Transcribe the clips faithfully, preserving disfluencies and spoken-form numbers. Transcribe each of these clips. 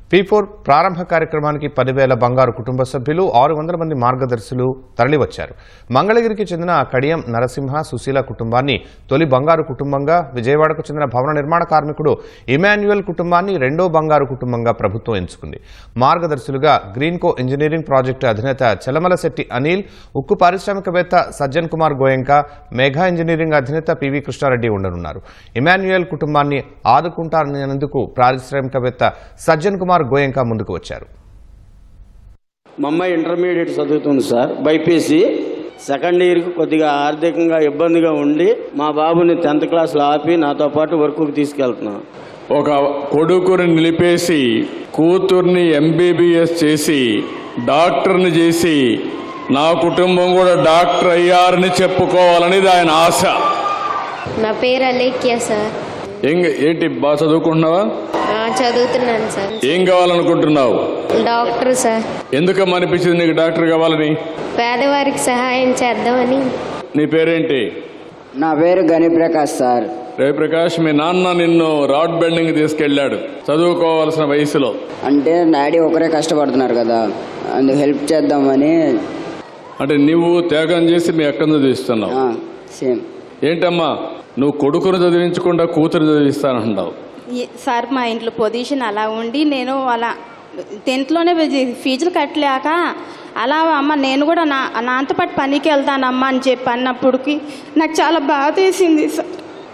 P four ప్రారంభ కార్యక్రమానికి పదివేల బంగారు కుటుంబ సభ్యులు ఆరు వందల మంది మార్గదర్శులు తరలివచ్చారు. మంగళగిరికి చెందిన కడియం నరసింహ సుశీల కుటుంబాన్ని తొలి బంగారు కుటుంబంగా, విజయవాడకు చెందిన భవన నిర్మాణ కార్మికుడు ఇమాన్యుయల్ కుటుంబాన్ని రెండో బంగారు కుటుంబంగా ప్రభుత్వం ఎంచుకుంది. మార్గదర్శులుగా గ్రీన్కో ఇంజనీరింగ్ ప్రాజెక్టు అధినేత చలమలశెట్టి అనిల్, ఉక్కు పారిశ్రామికవేత్త సజ్జన్ కుమార్ గోయంక, మేఘా ఇంజనీరింగ్ అధినేత పివి కృష్ణారెడ్డి ఉండనున్నారు. ఇమాన్యుయల్ కుటుంబాన్ని ఆదుకుంటారనేందుకు పారిశ్రామికవేత్త సజ్జన్ కుమార్ గోయంక ముందుకు వచ్చారు. మా అమ్మాయి ఇంటర్మీడియట్ చదువుతుంది సార్, బైపీసీ సెకండ్ ఇయర్కి కొద్దిగా ఆర్థికంగా ఇబ్బందిగా ఉండి మా బాబుని టెన్త్ క్లాస్లో ఆపి నాతో పాటు వర్క్కి తీసుకెళ్తున్నాను. ఒక కొడుకుని నిలిపేసి కూతుర్ని ఎంబీబీఎస్ చేసి డాక్టర్ని చేసి నా కుటుంబం కూడా డాక్టర్ అయ్యారని చెప్పుకోవాలనేది ఆయన ఆశ. నా పేరు అలేఖ్య సార్. ఏంటి బాగా చదువుకుంటున్నావా? చదువుతున్నాను సార్. ఏం కావాలనుకుంటున్నావు? Doctor sir. ఎందుకమ్మా అనిపించింది నీకు డాక్టర్ కావాలని? పేదవారికి సహాయం చేద్దామని. నీ పేరేంటి? నా పేరు గణిప్రకాష్ సార్. రవిప్రకాష్, మీ నాన్న నిన్ను రాడ్ బెండింగ్ తీసుకెళ్ళాడు చదువుకోవాల్సిన వయసులో. అంటే డాడీ ఒకరే కష్టపడుతున్నారు కదా, అందుకు హెల్ప్ చేద్దామని. అంటే నువ్వు త్యాగం చేసి మీ అక్కను చదివిస్తున్నావు. సేమ్. ఏంటమ్మా నువ్వు కొడుకును చదివించకుండా కూతురు చదివిస్తానంటావు? సార్ మా ఇంట్లో పొజిషన్ అలా ఉండి నేను అలా టెన్త్లోనే ఫీజులు కట్టలేక అలా అమ్మ నేను కూడా నా నాతో పాటు పనికి వెళ్తానమ్మా అని చెప్పి అన్నప్పటికి నాకు చాలా బాధ వేసింది సార్.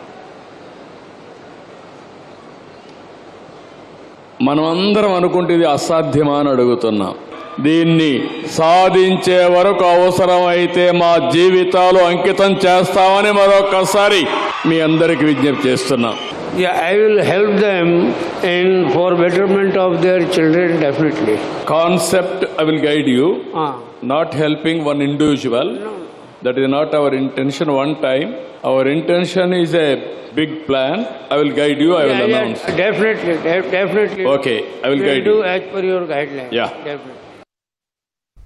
మనం అందరం అనుకుంటే ఇది అసాధ్యమా అని అడుగుతున్నాం. దీన్ని సాధించే వరకు అవసరమైతే మా జీవితాలు అంకితం చేస్తామని మరొకసారి మీ అందరికి విజ్ఞప్తి చేస్తున్నాం. Yeah, I will help them in for betterment of their children definitely. Concept I will guide you. Ah. Not helping one individual. No. That is not our intention one time. Our intention is a big plan. I will guide you. I will yeah, announce. Yeah, definitely, de- definitely. Okay, I will we'll guide do you. as per your guidelines. Yeah. Definitely.